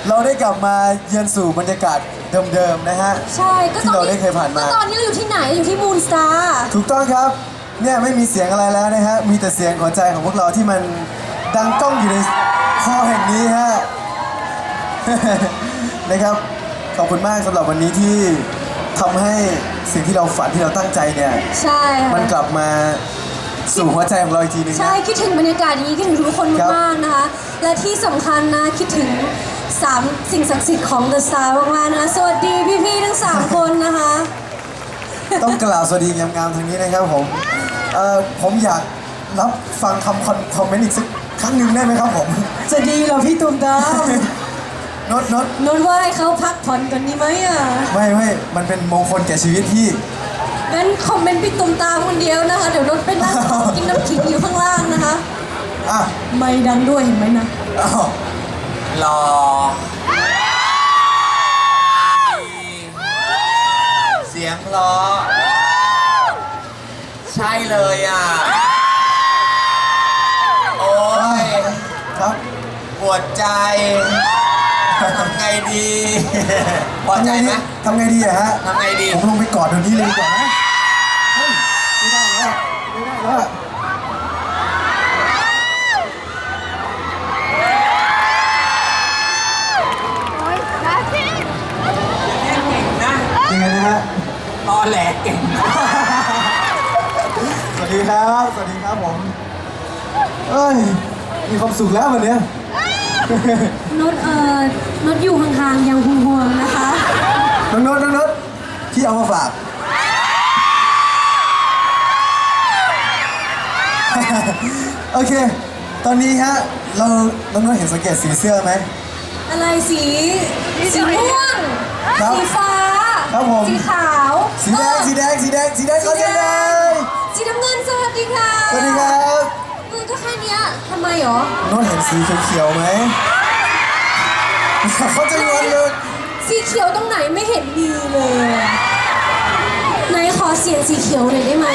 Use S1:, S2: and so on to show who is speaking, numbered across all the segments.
S1: เราได้กลับมาเยือนสู่บรรยากาศเดิมๆนะฮะ
S2: ใช่ก็
S1: ที่เราได้เคยผ่านมา
S2: ก็ตอนนี้เราอยู่ที่ไหนอยู่ที่มูนสตาร์
S1: ถูกต้องครับเนี่ยไม่มีเสียงอะไรแล้วนะฮะมีแต่เสียงหัวใจของพวกเราที่มันดังก้องอยู่ในคอแห่งนี้ฮะ นะครับขอบคุณมากสำหรับวันนี้ที่ทำให้สิ่งที่เราฝันที่เราตั้งใจเนี่ย
S2: ใช่ค่ะ
S1: มันกลับมาสู่หัวใจของเราอีกทีนึงนะ
S2: ใช่คิดถึงบรรยากาศอย่างนี้คิดถึงทุกคน
S1: ครับ
S2: มากๆนะคะและที่สำคัญนะคิดถึง3สิ่งศักดิ์สิทธิ์ของ The Star มากๆนะสวัสดีพี่ๆทั้ง3คนนะคะ
S1: ต้องกล่าวสวัสดีงามๆทางนี้นะครับผมอยากรับฟังคำคอมเมนต์อีกสักครั้งหนึ่งได้ไหมครับผม
S2: จะดีเหรอพี่ตุ้มตาม
S1: นด
S2: นนท์ว่าให้เขาพักผ่อนกันดีไหมอ่ะ
S1: ไม่มันเป็นมงคลแก่ชีวิตพี่
S2: งั้นคอมเมนต์พี่ตุ้มตามคนเดียวนะคะเดี๋ยวนนท์ไปนั่งกินน้ำขิงอยู่ข้างล่างนะคะ
S1: อ่ะ
S2: ไม่ดังด้วยเห็นไหมนะ
S1: อ้าว
S3: รอเสียงเพราะใช่เลยอ่ะ โอ้ย
S1: ครับ
S3: ปวดใจทำไงดีพอใจไหม
S1: ทำไงดีอะฮะ
S3: ทำไงดี
S1: ผมลงไปกอดเดี๋ยวนี้เลยดีกว่านะเฮ้ยไม่ได้แล้วไม่ได้แล้วอะ
S3: นะ
S1: ยังไงนะฮะ
S3: ตอแหลเก่ง
S1: สวัสดีครับสวัสดีครับผมเอ้ยมีความสุขแล้ววันเนี้ย
S2: นดนดอยู่ห่างๆยังห่วงๆนะคะ
S1: น้องนดพี่เอามาฝาก โอเค ตอนนี้ฮะน้องนดเห็นสังเกตสีเสื้อไหม
S2: อะไรสีม่วง
S1: ครับ
S2: สีฟ้า
S1: ครับผม
S2: สีขาว
S1: สีแดงสีแดงสีแดงสีแดงเขาจะแดง
S2: สีน้ำเงินสวัสดีค่ะ
S1: สวัสดีครับ
S2: มันก็แค่เนี้ยทำไมหรอ
S1: นดเห็นสีเขียวๆไหม เขาจะงอนเลย
S2: สีเขียวตรงไหนไม่เห็นมีเลยไหนขอเสียงสีเขียวหน่อยได้ไหม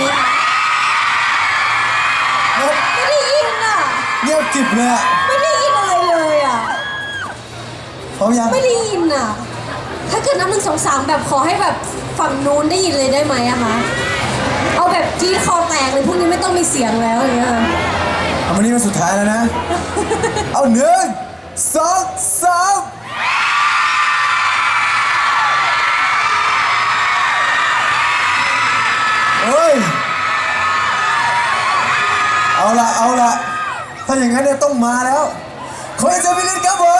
S1: นด
S2: ไม่ได้ยินอ่ะ
S1: เงียบกริบเลยอะ
S2: ไม่ได้ยินอะไรเลยอ่ะ
S1: พร้อมยัง
S2: ไม่ได้ยินอ่ะ ถ้าเกิดนับ1 2 3แบบขอให้แบบฝั่งนู้นได้ยินเลยได้ไหมอะคะเอาแบบที่คอแตกเลยพวกนี้ไม่ต้องมีเสียงแล้วอย่างเงี้ย
S1: เอาวันนี้เป็นสุดท้ายแล้วนะ เอา1 2 3เฮ้ย เอาละถ้าอย่างนั้นเนี่ยต้องมาแล้วขอให้เจอพี่ลิศครับผม